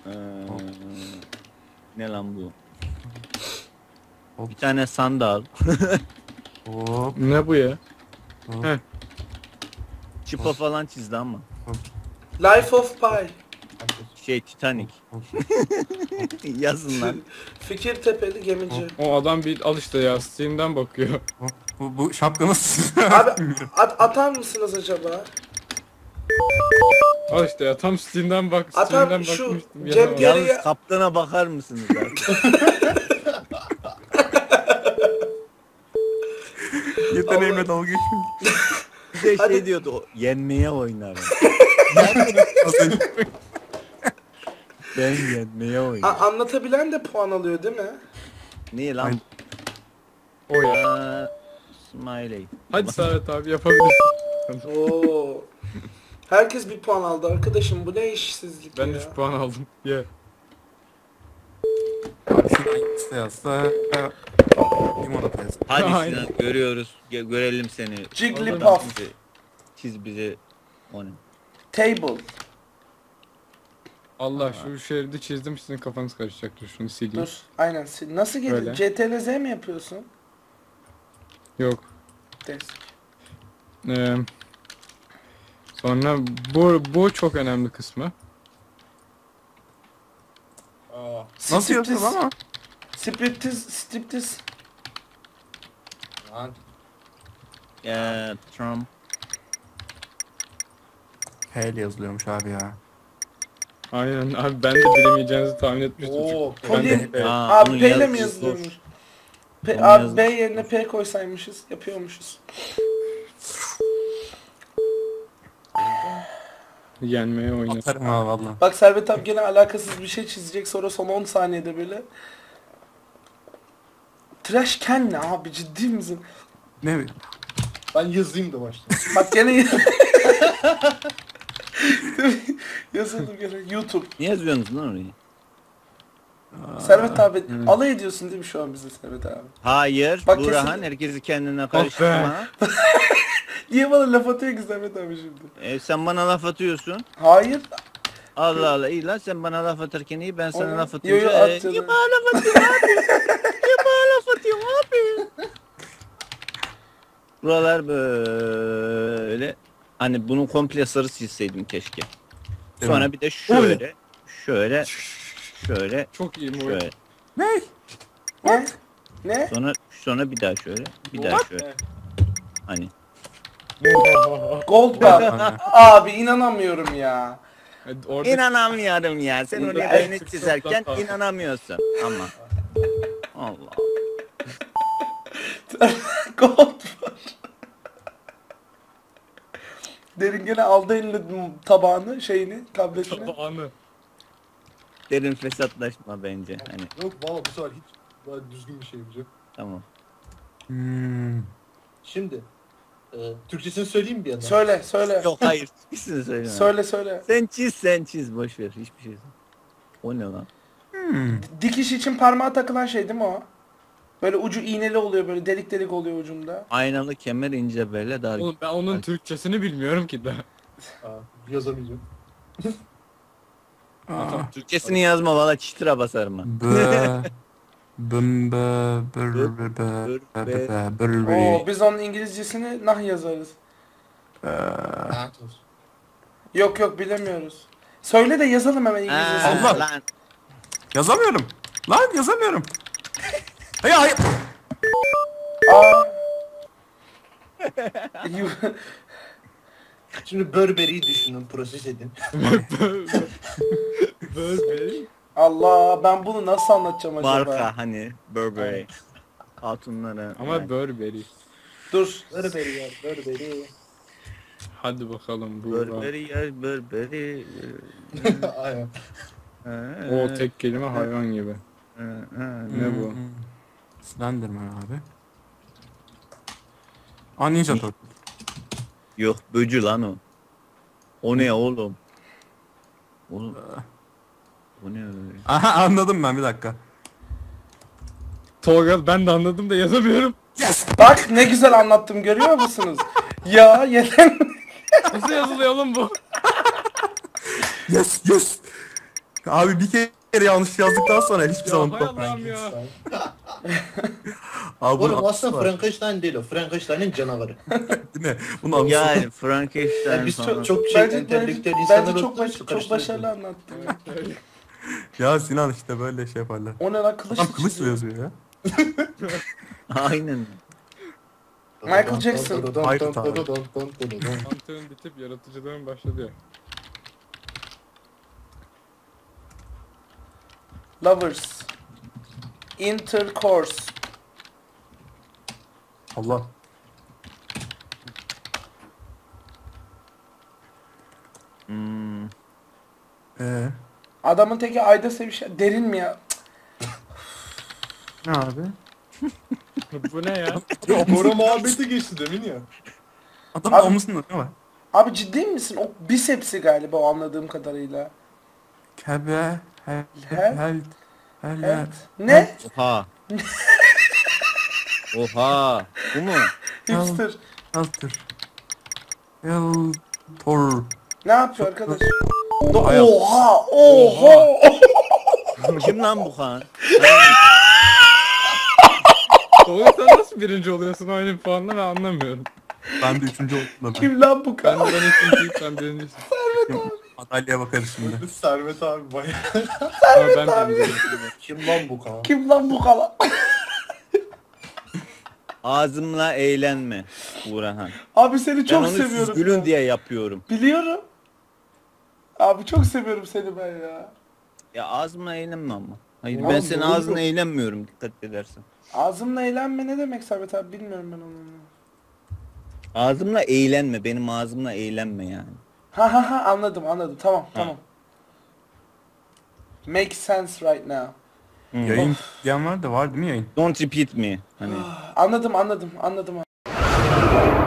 Ee, ne lan bu? Hop. Bir tane sandal. Hop. Ne bu ya? Hop. Heh. Çıpa falan çizdi ama. Life of Pi. Şey Titanic. Hop. Yazın lan. Fikirtepeli gemici. O adam bir al işte ya, Steam'den bakıyor. Hop. Bu şapka nasıl? Abi atar mısınız acaba? Al işte ya, tam Steam'den bak, Atam Steam'den şu bakmıştım Cem ya. Geriye- Yalnız kaptana bakar mısınız artık? Yeteneğime dalga geçmeyin. Bir de Hadi. şey diyordu, yenmeye oynarım. Ben yenmeye oynarım. Anlatabilen de puan alıyor değil mi? Niye lan? O ya. Smiley. Hadi Servet abi, yapabilirsin. Oo. Herkes bir puan aldı arkadaşım, bu ne işsizlik Ben ya. 3 puan aldım. Ye. Şuradan işte yazsa. Limonata yazsa. Hadi Aynen. Sinan, görüyoruz. Görelim seni. Jigglypuff. Çiz bizi. O ne? Table. Allah, şu şeridi çizdim, sizin kafanız karışacaktır. Şunu sileyim. Dur. Aynen. Nasıl gelir? Öyle. CTRL Z mi yapıyorsun? Yok. Desk. Sonra bu çok önemli kısmı. Nasıl yapıyoruz ama? Striptiz. Trump. H ile yazılıyormuş abi ya. Aynen abi, ben de bilemeyeceğinizi tahmin etmiştim. Oo, çünkü. Ben de Poli. Aa, Abi onun P ile mi yazısı yazılıyormuş? Onun Abi yazısı B yerine P koysaymışız, yapıyormuşuz. yenmeye oynar. Atarım ha valla. Bak Servet abi gene alakasız bir şey çizecek, sonra son 10 saniyede böyle. Trash can ne abi, ciddi misin? Ne? Ben yazayım da başta. Bak gene yazıldım gene YouTube. Ne yazıyorsunuz lan orayı? Servet abi alay ediyorsun değil mi şu an bize Servet abi? Hayır. Bak Burhan kesin- herkesi kendine karıştırma. Niye bana laf atıyor ki Servet abi şimdi? Sen bana laf atıyorsun. Hayır. Allah Allah, iyi lan, sen bana laf atarken iyi, ben sana Oğlum, laf yo, atınca yo, at canım. niye bana laf atıyorsun abi? Niye bana laf atıyorsun abi? Buralar böyle, hani bunu komple sarı çizseydim keşke. Değil Sonra mi? bir de şöyle Çok iyi bu. şöyle, Ne? Ne? Ne? sonra bir daha şöyle, bir daha şöyle. Hani Gold bar. Abi inanamıyorum ya. Orada inanamıyorum ya, sen Burada oraya en beni çok çizerken sokakta. inanamıyorsun ama. Allah. Gold bar. Derin gene aldı eline tabağını, şeyini, tabletini. tabağını. Derin fesatlaşma bence, hani Yok valla bu sefer hiç daha düzgün bir şey yapacağım. tamam. Şimdi Türkçesini söyleyeyim mi bir yandan? Söyle. Yok hayır, hiçbirisini söyleme. Söyle. Sen çiz, boş ver, hiçbir şey. O ne lan? Dikiş için parmağa takılan şey değil mi o? Böyle ucu iğneli oluyor, böyle delik delik oluyor ucunda. Aynalı kemer, ince belle, dar. Oğlum ben onun Türkçesini bilmiyorum ki daha. Yazamayacağım. Türkçesini yazma, valla çitira basarım ha. Oo, biz onun İngilizcesini nah yazarız. Lanet olsun. Yok bilemiyoruz. Söyle de yazalım hemen İngilizcesini. Allah! Lan Yazamıyorum. Lan yazamıyorum. Hayır. Aa. Şimdi Burberry'yi düşünün, proses edin. Böyle. Allah, ben bunu nasıl anlatacağım acaba? marka, hani Burberry. Hatunlara. Ama Burberry. Dur. Burberry ya, Burberry. Hadi bakalım bu. Burberry ya, Burberry. Aynen. O tek kelime hayvan gibi. Ne bu? Slenderman abi. Aa Ninja Turtle. Yok, böcü lan o. O ne oğlum? Oğlum. O ne öyle? Aha anladım ben, bir dakika. Tolga, ben de anladım da yazamıyorum. Yes! Bak ne güzel anlattım, görüyor musunuz? Ya yeter. Nasıl yazılıyor oğlum bu? Yes! Abi bir kere yanlış yazdıktan sonra hiçbir zaman hay unutmam. Allah'ım ya. Abi bunun Oğlum anısı aslında var, Frankenstein değil o. Frankenstein'in canavarı. değil mi? Bunun anısı var. Yani Frankenstein Yani biz falan. çok şey Bence, entelektüel insanlar bence çok, olduğumuz için çok karıştırıyoruz. başarılı anlattın ya. Ya Sinan işte böyle şey yaparlar. O ne lan, kılıç Adam mı kılıçla çiziyor? yazıyor ya. Aynen. Michael Jackson. Mantığın bitip yaratıcılığın başladı ya. Lovers. Intercourse. Allah. Hmm. Adamın teki ayda sevişen. Derin mi ya? Ne abi? Bu ne ya? Bora muhabbeti geçti demin ya. Adamın Abi- omuzunda ne var? Abi ciddi misin? O bisepsi galiba, o anladığım kadarıyla. Kebe, He? hele. Evet. Ne? Oha. Oha. Bu mu? Hipster. Helter. Helter. Ne yapıyor arkadaş? Hay Allah. Oha! Oha! Kim lan bu kan? Oğlum sen nasıl birinci oluyorsun oyunun puanla ben anlamıyorum. Ben de üçüncü oldum da ben. Kim lan bu Ben kan? ikinciyim sen birincisin. Madalyaya bakarız şimdi. Servet abi bayağı. Ama ben birinciyim. Kim lan bu kan? Kim lan bu kan? Ağzımla eğlenme Burhan. Abi seni Ben çok onu seviyorum. siz gülün ya. diye yapıyorum. Biliyorum. Abi çok seviyorum seni ben ya. Ya ağzımla eğlenme ama. Hayır Oğlum, ben senin doğru. ağzına eğlenmiyorum dikkat edersen. Ağzımla eğlenme ne demek Servet abi, bilmiyorum ben onu. Ağzımla eğlenme, benim ağzımla eğlenme yani. Ha anladım tamam. Make sense right now. Yayın diyen var da var değil mi yayın? Don't repeat me. Hani Anladım.